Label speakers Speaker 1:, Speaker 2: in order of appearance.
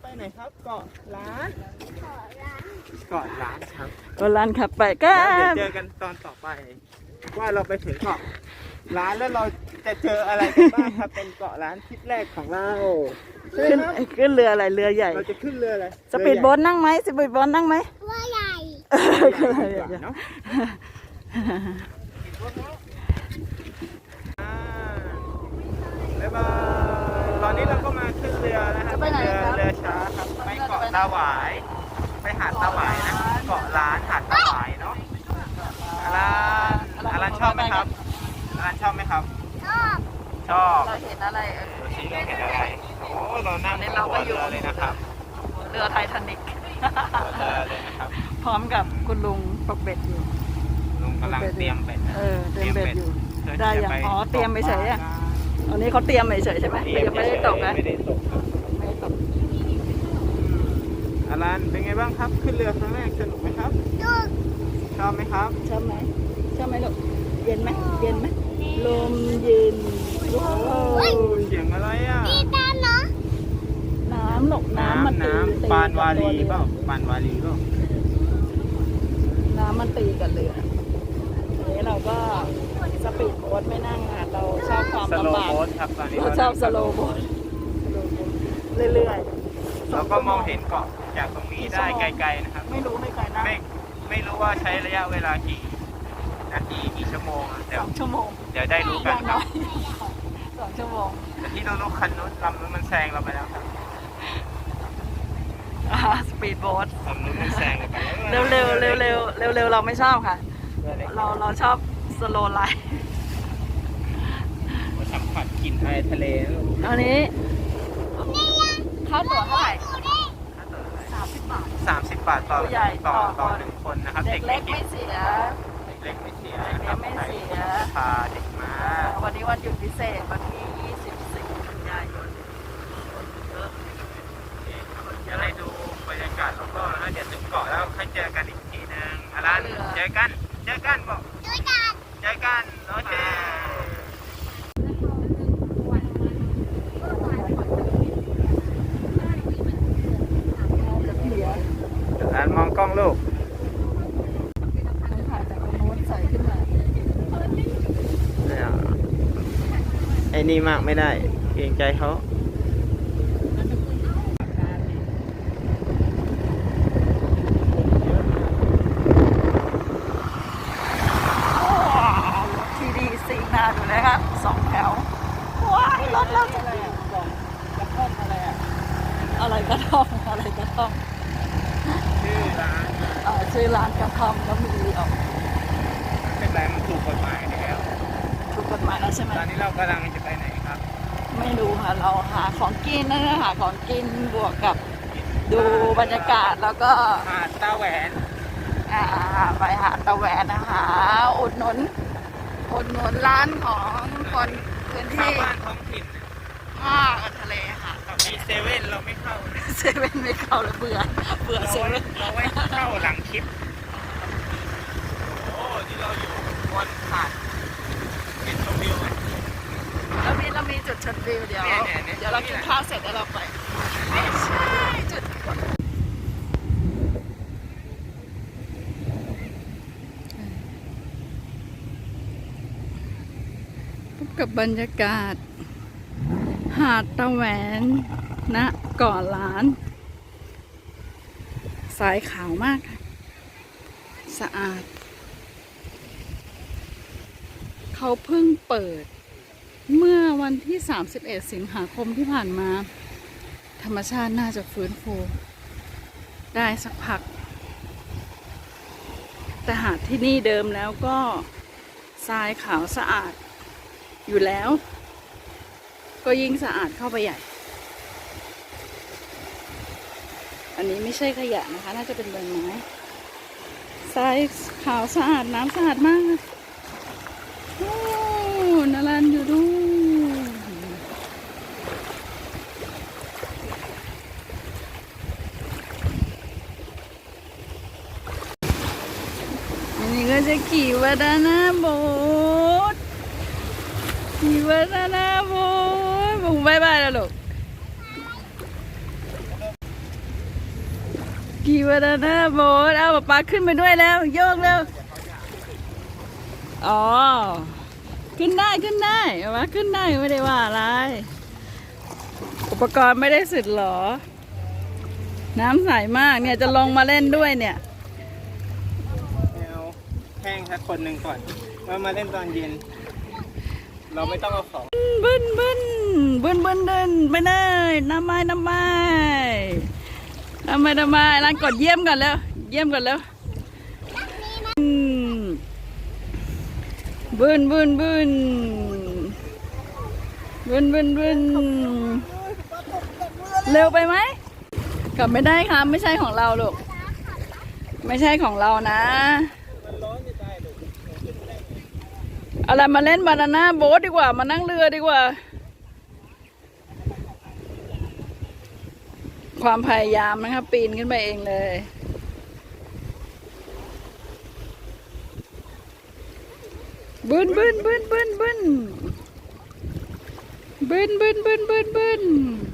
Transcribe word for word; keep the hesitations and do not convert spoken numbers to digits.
Speaker 1: ไหนครับเกาะล้านเกาะล้านเกาะล้านครับ
Speaker 2: เกาะล้านครับไปก็
Speaker 1: เดี๋ยวเจอกันตอนต่อไปว่าเราไปถึงเกาะล้านแล้วเราจะเจออะไรกันบ้างครับเป็นเกาะล้านทริปแรกของเรา
Speaker 2: ขึ้นขึ้นเรืออะไรเรือใหญ่
Speaker 1: เราจะขึ้นเรืออะไร
Speaker 2: สปีดโบ๊ทนั่งไหมสปีดโบ๊ทนั่งไหม
Speaker 3: เรือใหญ่
Speaker 1: เรือใหญ่เนาะบ๊ายบายตอนนี้เราก็มาขึ้นเรือนะครับเรือเรือช้าครับไปเกาะตาหวายไปหาดตาหวายนะเกาะล้านหาดตาหวายเนาะอารันอารันชอบไหมครับอารันชอบไหมครับ
Speaker 3: ชอบ
Speaker 1: ชอบ
Speaker 2: เราเห็นอะไรเออ
Speaker 1: ดูสิเราเห็นอะไรโอ้เรานั่งบนหัวเรือเลยนะครับ
Speaker 2: เรือไททานิก
Speaker 1: เรือเลยนะครับ
Speaker 2: พร้อมกับคุณลุงปกเบ็ดอยู่
Speaker 1: ลุงกำลังเตรียมเบ็ดนะ
Speaker 2: เออเตรียมเบ็ดอยู่
Speaker 1: พื่
Speaker 2: ได้
Speaker 1: ที่
Speaker 2: ยัง
Speaker 1: จะป
Speaker 2: อ๋อเตรียมไปเฉยอะ อันนี้เขาเตรียมเฉยๆใช่ไหม
Speaker 1: เตรียม
Speaker 2: ยังไม่ได้ตกนะ
Speaker 1: ไม่ได้ตกครับ
Speaker 2: ไม่ได้ตก
Speaker 1: อารันเป็นไงบ้างครับขึ้นเรือครั้งแรกสนุกไหมครับ
Speaker 3: ดู
Speaker 1: ชอบไหมครับ
Speaker 2: ชอบไหมชอบไหมลูกเย็นไหมเย็นไหมลมเย็นว้า
Speaker 1: โอ้
Speaker 2: ว
Speaker 1: เสียงอะไรอ่ะ
Speaker 3: ดีด้านเนาะ
Speaker 2: น้ำหลกน้ำมัน
Speaker 1: น้ำ
Speaker 2: ตีตี
Speaker 1: น้ำปานวาลี
Speaker 2: กับตัว
Speaker 1: เป
Speaker 2: เรือ
Speaker 1: ล่าปานวาลีเปล่า
Speaker 2: น้ำมันตีกันเรือทีนี้เราก็สปีดโบ๊ทไม่นั่งค่ะเราชอบความ
Speaker 1: สโล
Speaker 2: ลำ
Speaker 1: ว์
Speaker 2: บาก
Speaker 1: โบ๊ทครับตอนนี้
Speaker 2: เราชอบสโลว์โบ๊ทเรื่อยๆ
Speaker 1: เราก็มองเห็นเกาะจากตรงนี้ได้ไกลๆนะครับ
Speaker 2: ไม่รู้ไม่ไกลนะ
Speaker 1: ไม่ไม่รู้ว่าใช้ระยะเวลากี่นาทีกี่ชั่วโมงอะเดี๋
Speaker 2: ส
Speaker 1: ยว
Speaker 2: องชั่วโมง
Speaker 1: เดี๋ยวได้รู้
Speaker 2: อ
Speaker 1: กัน
Speaker 2: ย่าง
Speaker 1: ค
Speaker 2: น้
Speaker 1: รั
Speaker 2: อบ ยสองชั่วโมง
Speaker 1: แต่ที่เรารู้คันนู้นลำนู้นมันแซงเราไปแล้วครับ
Speaker 2: สปีดโบ๊ท
Speaker 1: ลำนู้นมันแซงเราไปแล้ว
Speaker 2: เร็วเร็วเร็วเร็วเร็วเร็วเราไม่ชอบค่ะ เราเราชอบสโลว์ไลฟ์
Speaker 1: มาสัมผัสกลิ่นไอทะเลนะลูก
Speaker 2: อันนี้ค่าตั๋วเท่าไหร่สามสิบบาท
Speaker 1: สามสิบบาทต่อ
Speaker 2: ผู้ใหญ่
Speaker 1: ต่อ
Speaker 2: ต่อ
Speaker 1: ต่อหนึ่งคนนะครับ
Speaker 2: เด็กเล็ก
Speaker 1: ไม่
Speaker 2: ไม่เสีย
Speaker 1: เด็กเล็กไม่เสีย
Speaker 2: เด็กเล็กไม่เสีย
Speaker 1: พาเด็กมา
Speaker 2: วันนี้วันหยุดพิเศษวันที่ยี่สิบสี่กันยายน
Speaker 1: เดี๋ยวให้ดูบรรยากาศรอบๆแล้วเดี๋ยวถึงเกาะแล้วค่อยเจอกันอีกทีนึงอารันเจอกันเจอกันบอก
Speaker 3: ด้วยกัน
Speaker 1: เจอกันโอเคอารันมองกล้องลูก
Speaker 2: ถ่ายจากตรงโน้นใส่ขึ้นมา
Speaker 1: ไอ้นี่มากไม่ได้เกรงใจเขา
Speaker 2: ทีดีซีนาดูเลยครับสองแถวว้ายรถเราจะ
Speaker 1: อะไรอ่ะบอกกระท่อมอะไรอ่ะ
Speaker 2: อะไรกระท่อมอะไรกระท่อม
Speaker 1: ชื่อร้าน
Speaker 2: เอ่อชื่อร้านกระท่อมก็มีออก
Speaker 1: เป็นไรมันถูกกฎหมายแล้ว
Speaker 2: ถูกกฎหมายแล้วใช่ไหม
Speaker 1: ตอนนี้เรากำลังจะไปไหนครับ
Speaker 2: ไม่รู้ค่ะเราหาของกินนะหาของกินบวกกับดูบรรยากาศแล้วก็
Speaker 1: หาดตาแหวน
Speaker 2: อ่าไปหาตะแหวนนะคะอุดหนุนอุดหนุนร้านของคนพื้น
Speaker 1: ชาว
Speaker 2: ที่
Speaker 1: บ้านท้องถิ่น
Speaker 2: ภาคทะเลค่ะ
Speaker 1: กับมีเซเว่นเราไม่เข้า
Speaker 2: เซเว่นไม่เข้าแล้วเบื่อเบื่อ
Speaker 1: เรา
Speaker 2: เซ
Speaker 1: ไว้
Speaker 2: เว่น
Speaker 1: เราไว้เข้าหลังคลิป โอ้ที่เราอยู่บนหาดเป็นชมวิวไหม
Speaker 2: แล้วมีเรามีจุดชมวิวเดี๋ยว
Speaker 1: เนี่ยเนี่ยเนี่ย
Speaker 2: เดี๋ยวเรากินข้าวเสร็จแล้วเราไปไม่ใช่จุดพบกับบรรยากาศ หาดตะแหวนณเกาะล้าน สายขาวมากค่ะสะอาด เขาเพิ่งเปิด เมื่อวันที่ สามสิบเอ็ด สิงหาคมที่ผ่านมา ธรรมชาติน่าจะฟื้นฟูได้สักพัก แต่หาดที่นี่เดิมแล้วก็ทรายขาวสะอาดอยู่แล้ว ก็ยิ่งสะอาดเข้าไปใหญ่ อันนี้ไม่ใช่ขยะนะคะ น่าจะเป็นใบไม้ทรายขาวสะอาดน้ำสะอาดมากโอ้นารันอยู่ดูอันนี้ก็จะขี่วาดานาโบ๊ทขี่วาดานาโบ๊ทบุ้งบายบายแล้วลูกกี่บานาน่าโบ๊ทเอาป๊าป๊าขึ้นไปด้วยแล้วโยกแล้วอ๋อขึ้นได้ขึ้นได้ป๊าป๊าขึ้นได้ไม่ได้ว่าอะไรอุปกรณ์ไม่ได้สุดหรอน้ำใสมากเนี่ยจะลงมาเล่นด้วยเนี่ย
Speaker 1: เอาแห้งสักคนหนึ่งก่อนว่ามาเล่นตอนเย็น เราไม่ต้องเอาของ
Speaker 2: บึ้นบึ้นบึ้นบึ้นเดินไปเลยน้ำไม้น้ำไม้น้ำไม้น้ำไม้ร้านกดเยี่ยมก่อนแล้วเยี่ยมก่อนแล้วอืมบึ้นบึ้นบึ้นบึ้นบึ้นบึ้นเร็วไปไหมกลับไม่ได้ครับไม่ใช่ของเราลูกไม่ใช่ของเรานะอะไรมาเล่นบานาน่าโบ๊ทดีกว่ามานั่งเรือดีกว่าความพยายามนะครับปีนขึ้นไปเองเลยบึ้นบึ้นบึ้นบึ้นบึ้นบึ้นบึ้นบึ้นบึ้นบึ้น